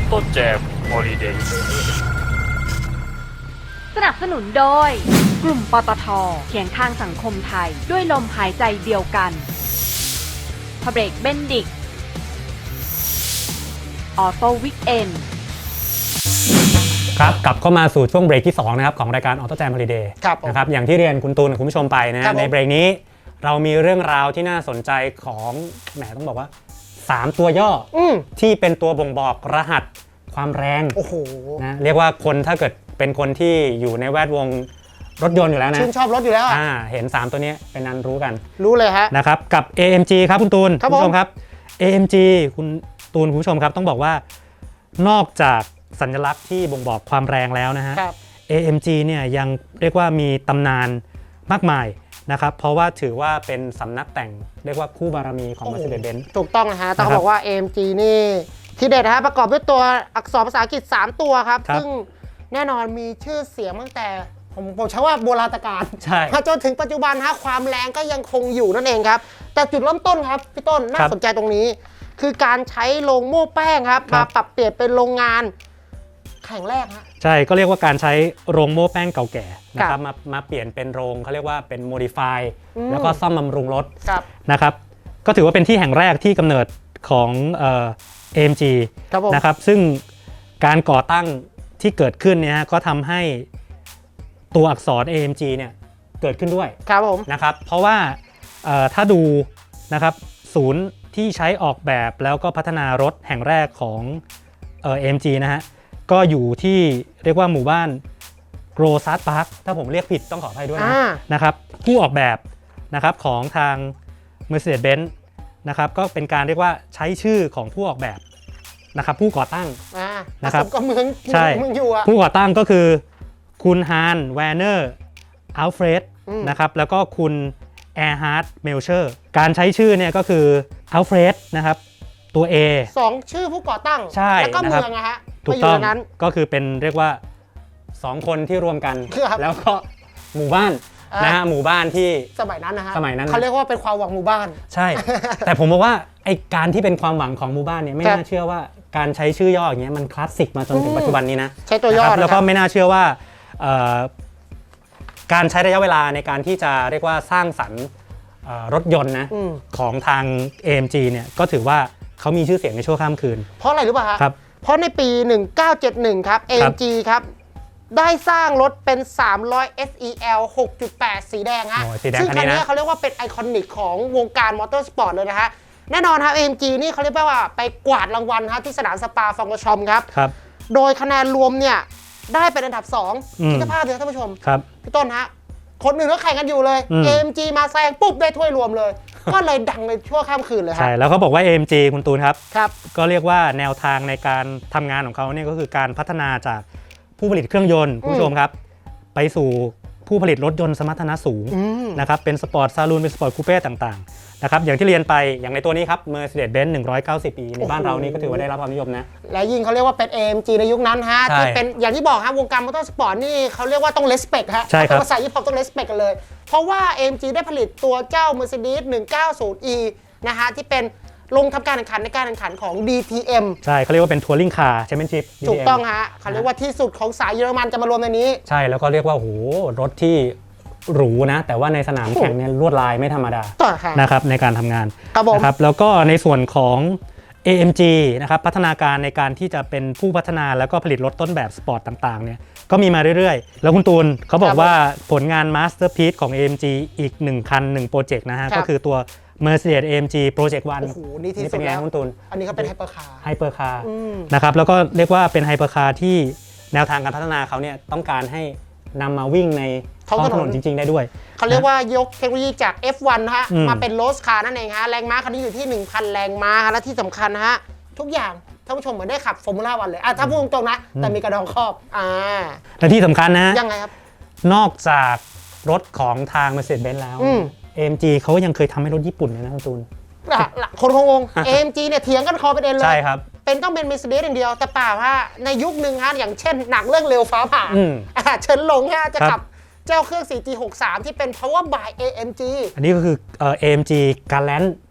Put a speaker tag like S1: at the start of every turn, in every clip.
S1: โต้แจมฮอลิเดย์
S2: สนับสนุนโดยกลุ่มปตท.เคียงข้างสังคมไทยด้วยลมหายใจเดียวกันพเบรกเบนดิกออโต้วิกเอน
S3: ครับกลับเข้ามาสู่ช่วงเบรกที่2นะครับของรายการ Auto Jam Holiday นะครับอย่างที่เรียนคุณตูนคุณผู้ชมไปนะในเบรกนี้เรามีเรื่องราวที่น่าสนใจของแหมต้องบอกว่า3ตัวย่อที่เป็นตัวบ่งบอกรหัสความแรงนะเรียกว่าคนถ้าเกิดเป็นคนที่อยู่ในแวดวงรถยนต์อยู่แล้วนะ
S4: ชื่นชอบรถอยู่แล้ว
S3: เห็น3ตัวนี้เป็นนั้นรู้กัน
S4: รู้เลยฮะ
S3: นะครับกับ AMG ครับคุณตูนคุณผู้ชมครับ AMG คุณตูนคุณผู้ชมครับต้องบอกว่านอกจากสัญลักษณ์ที่บ่งบอกความแรงแล้วนะฮะ AMG เนี่ยยังเรียกว่ามีตำนานมากมายนะครับเพราะว่าถือว่าเป็นสำนักแต่งเรียกว่าคู่บารมีของ Mercedes-Benz
S4: ถูกต้องนะฮะต้องบอกว่า AMG นี่ที่เด็ดนะฮะประกอบด้วยตัวอักษรภาษาอังกฤษ3ตัวครับซึ่งแน่นอนมีชื่อเสียงตั้งแต่ผมใช้ว่าโบราณกาลมาจนถึงปัจจุบันฮะความแรงก็ยังคงอยู่นั่นเองครับแต่จุดเริ่มต้นครับพี่ต้นน่าสนใจตรงนี้คือการใช้โรงโม่แป้งครับมาปรับเปลี่ยนเป็นโรงงานแข่งแรกฮะ
S3: ใช่ก็เรียกว่าการใช้โรงโม่แป้งเก่าแก่นะครับมาเปลี่ยนเป็นโรงเขาเรียกว่าเป็นโมดิฟายแล้วก็ซ่อมบำรุงรถนะครับก็ถือว่าเป็นที่แห่งแรกที่กำเนิดของAMG นะครับซึ่งการก่อตั้งที่เกิดขึ้นเนี่ยก็ทำให้ตัวอักษร AMG เนี่ยเกิดขึ้นด้วยนะครับเพราะว่าถ้าดูนะครับศูนย์ที่ใช้ออกแบบแล้วก็พัฒนารถแห่งแรกของAMG นะฮะก็อยู่ที่เรียกว่าหมู่บ้านโกรซัสพาร์คถ้าผมเรียกผิดต้องขออภัยด้วยนะครับผู้ออกแบบนะครับของทาง Mercedes-Benz นะครับก็เป็นการเรียกว่าใช้ชื่อของผู้ออกแบบนะครับผู้ก่อตั้ง
S4: นะครับก็เมืองอยู่
S3: ผู้ก่อตั้งก็คือคุณฮานแวร์เนอร์อัลเฟรดนะครับแล้วก็คุณแอร์ฮาร์ดเมลเชอร์การใช้ชื่อเนี่ยก็คืออัลเฟรดนะครับตัว A
S4: 2ชื่อผู้ก่อตั้งแล้วก็เมืองนะฮะ
S3: ถูกต้องก็คือเป็นเรียกว่า2คนที่รวมกันแล้วก็หมู่บ้านนะฮะหมู่บ้านที่
S4: สมัยนั้นนะฮะ
S3: สมัยนั้น
S4: เขาเรียกว่าเป็นความหวังหมู่บ้าน
S3: ใช่แต่ผมบอกว่าไอ้การที่เป็นความหวังของหมู่บ้านเนี่ยไม่น่าเชื่อว่าการใช้ชื่อย่ออย่างเงี้ยมันคลาสสิกมาจนถึงปัจจุบันนี้นะ
S4: ใช้ตัวย่อ
S3: แล้วก็ไม่น่าเชื่อว่าการใช้ระยะเวลาในการที่จะเรียกว่าสร้างสรรค์รถยนต์นะของทาง AMG เนี่ยก็ถือว่าเขามีชื่อเสียงในชั่วข้ามคืน
S4: เพราะอะไรรู้ป่ะ
S3: ครับ
S4: เพราะในปี 1971 ครับ AMG ครับได้สร้างรถเป็น 300 SEL 6.8 สีแดงฮะซึ่งคันนี้เขาเรียกว่าเป็นไอคอนิกของวงการมอเตอร์สปอร์ตเลยนะฮะแน่นอนครับ AMG นี่เขาเรียกว่าไปกวาดรางวัลครับที่สนามสปาฟองกชอมครับโดยคะแนนรวมเนี่ยได้เป็นอันดับ2คิดภาพเลยท่านผู้ชมพี่ต้นฮะคนอื่นก็แข่งกันอยู่เลย AMG มาแซงปุ๊บได้ถ้วยรวมเลยก็เลยดังในชั่วข้ามคืนเลยครับ
S3: ใช่แล้วเขาบอกว่า AMG คุณตูนครับก็เรียกว่าแนวทางในการทำงานของเขาเนี่ยก็คือการพัฒนาจากผู้ผลิตเครื่องยนต์คุณผู้ชมครับไปสู่ผู้ผลิตรถยนต์สมรรถนะสูงนะครับเป็นสปอร์ตซาลูนเป็นสปอร์ตคูเป้ต่างๆนะครับอย่างที่เรียนไปอย่างในตัวนี้ครับ Mercedes-Benz 190 ปีในบ้านเรานี่ก็ถือว่าได้รับความนิยมนะ
S4: และยิ่งเขาเรียกว่าเป็น AMG ในยุคนั้นฮะที่เป็นอย่างที่บอกครับวงการมอเตอร์สปอร์ตนี่เขาเรียกว่าต้อง respect ฮะภาษาญี่ปุ่นต้อง respect กันเลยเพราะว่า AMG ได้ผลิตตัวเจ้า Mercedes 190e นะฮะที่เป็นลงทำการแข่งขันในการแข่งขันของ DTM
S3: ใช่เขาเรียกว่าเป็นทัวริงคาร์แชมเปี้ยนชิพ
S4: ถูกต้องฮะเขาเรียกว่าที่สุดของสายเยอรมันจะมารวมในนี้
S3: ใช่แล้วก็เรียกว่าโหรถที่หรูนะแต่ว่าในสนามแข่งเนี่ยลวดลายไม่ธรรมดานะครับในการทำงานนะครับแล้วก็ในส่วนของ AMG นะครับพัฒนาการในการที่จะเป็นผู้พัฒนาแล้วก็ผลิตรถต้นแบบสปอร์ตต่างๆเนี่ยก็มีมาเรื่อยๆแล้วคุณตูนเขาบอกว่าผลงานมาสเตอร์พีซของ AMG อีก1คัน1โปรเจกต์นะฮะก็คือตัว Mercedes AMG Project 1
S4: โอ้โหนี่ที่สุดแล้ว
S3: คุณตูน
S4: อันนี้เขาเป็นไฮเปอร์
S3: คาร์นะครับแล้วก็เรียกว่าเป็นไฮเปอร์คาร์ที่แนวทางการพัฒนาเขาเนี่ยต้องการให้นำมาวิ่งในท้องถนนจริงๆได้ด้วย
S4: เขาเรียกว่ายกเทคโนโลยีจาก F1 นะฮะมาเป็นโรสคาร์นั่นเองฮะแรงม้าคันนี้อยู่ที่ 1,000 แรงม้าและที่สำคัญนะฮะทุกอย่างท่านผู้ชมเหมือนได้ขับฟอร์มูล่าวันเลยถ้าพูดตรงๆนะแต่มีกระดองครอบ
S3: และที่สำคัญนะ
S4: ยังไงครับ
S3: นอกจากรถของทาง Mercedes-Benz แล้ว AMG เขายังเคยทำให้รถญี่ปุ่นเลยนะคุณตูน
S4: คนงง AMG เนี่ยเถียงกันคอประเด็นเลย
S3: ใช่ครับ
S4: เป็นต้องเป็น Mercedes อย่างเดียวแต่เปล่าว่าในยุคหนึ่งฮะอย่างเช่นหนังเรื่องเร็วฟ้าผ่าเฉินหลงฮะจะขับเจ้าเครื่อง 4G63 ที่เป็น Power by AMG
S3: อันนี้ก็คือAMG Galant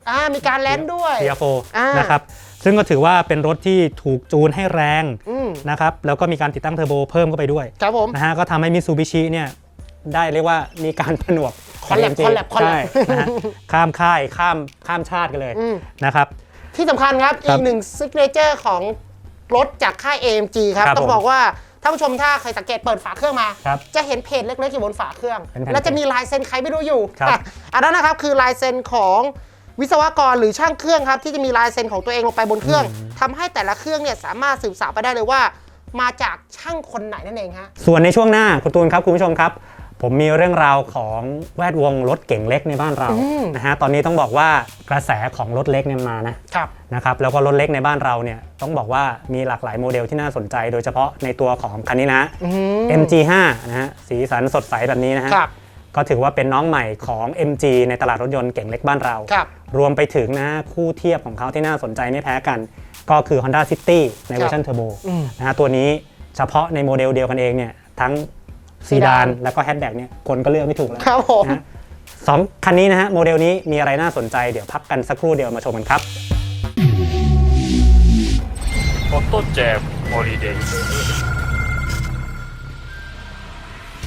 S4: มีการแลนด์ด้วย
S3: TR4 นะครับซึ่งก็ถือว่าเป็นรถที่ถูกจูนให้แรงนะครับแล้วก็มีการติดตั้งเทอร์โบเพิ่มเข้าไปด้วย
S4: ครับผม
S3: นะฮะก็ทำให้มิตซูบิชิเนี่ยได้เรียกว่ามีการผนวก
S4: คอลแลบ
S3: ใช่นะฮะข้ามค่ายข้ามชาติกันเลยนะครับ
S4: ที่สำคัญครับอีกหนึ่งซิกเนเจอร์ของรถจากค่าย AMG ครับต้องบอกว่าท่านผู้ชมถ้าใครสังเกตเปิดฝาเครื่องมาจะเห็นเพจเล็กๆอยู่บนฝาเครื่องแล้วจะมีลายเซ็นใครไม่รู้อยู่อันนั้นนะครับคือลายเซ็นของวิศวกรหรือช่างเครื่องครับที่จะมีลายเซ็นของตัวเองลงไปบนเครื่องทำให้แต่ละเครื่องเนี่ยสามารถสืบสาวไปได้เลยว่ามาจากช่างคนไหนนั่นเองฮะ
S3: ส่วนในช่วงหน้าคุณตูนครับคุณผู้ชมครับผมมีเรื่องราวของแวดวงรถเก๋งเล็กในบ้านเรานะฮะตอนนี้ต้องบอกว่ากระแสของรถเล็กเนี่ยมานะครับแล้วก็รถเล็กในบ้านเราเนี่ยต้องบอกว่ามีหลากหลายโมเดลที่น่าสนใจโดยเฉพาะในตัวของคันนี้นะ MG5 นะฮะสีสันสดใสแบบนี้นะฮะก็ถือว่าเป็นน้องใหม่ของ MG ในตลาดรถยนต์เก๋งเล็กบ้านเรารวมไปถึงนะคู่เทียบของเขาที่น่าสนใจไม่แพ้กันก็คือ Honda City ในเวอร์ชันเทอร์โบนะฮะตัวนี้เฉพาะในโมเดลเดียวกันเองเนี่ยทั้งซีดานแล้วก็แฮชแบ็กเนี่ยคนก็เลือกไม่ถูกแล้ว
S4: ครับผม
S3: นะสองคันนี้นะฮะโมเดลนี้มีอะไรน่าสนใจเดี๋ยวพักกันสักครู่เดียวมาชมกันครับ
S1: ออโต้แจมฮอลิเดย์